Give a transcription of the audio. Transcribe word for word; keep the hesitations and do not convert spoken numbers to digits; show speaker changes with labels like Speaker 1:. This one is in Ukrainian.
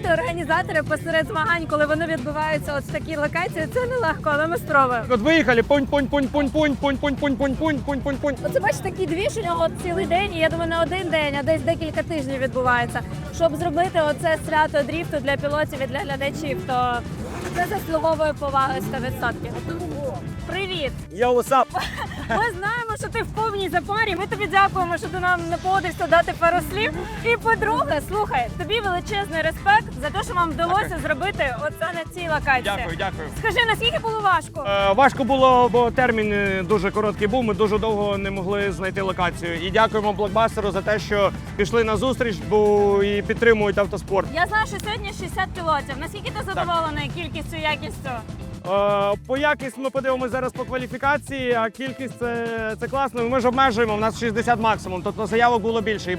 Speaker 1: зібрати організатори посеред змагань, коли вони відбуваються от в такій локації, це нелегко, але ми спробуємо.
Speaker 2: От виїхали, пунь, пунь, пунь, пунь, пунь, пунь, пунь, пунь, пунь, пунь, пунь, пунь, пунь.
Speaker 1: Оце бачиш, такий двіж у нього цілий день, і я думаю, не один день, а десь декілька тижнів відбувається. Щоб зробити оце свято дріфту для пілотів і для глядачів, то це заслуговує поваги сто відсотків. Привіт!
Speaker 2: Yo, what's up?
Speaker 1: Ми знаємо, що ти в повній запарі. Ми тобі дякуємо, що ти нам не погодився дати пару слів. І по-друге, слухай, тобі величезний респект за те, що вам вдалося зробити оце на цій локації.
Speaker 2: Дякую, дякую.
Speaker 1: Скажи, наскільки було важко?
Speaker 2: Е, важко було, бо термін е, дуже короткий був, ми дуже довго не могли знайти локацію. І дякуємо блокбастеру за те, що пішли на зустріч, бо і підтримують автоспорт.
Speaker 1: Я знаю, що сьогодні шістдесят пілотів. Наскільки ти задоволений кількістю, якістю?
Speaker 2: Е, По якість ми подивимося зараз по кваліфікації, а кількість це, це класно. Ми ж обмежуємо, у нас шістдесят максимум, тобто заявок було більше.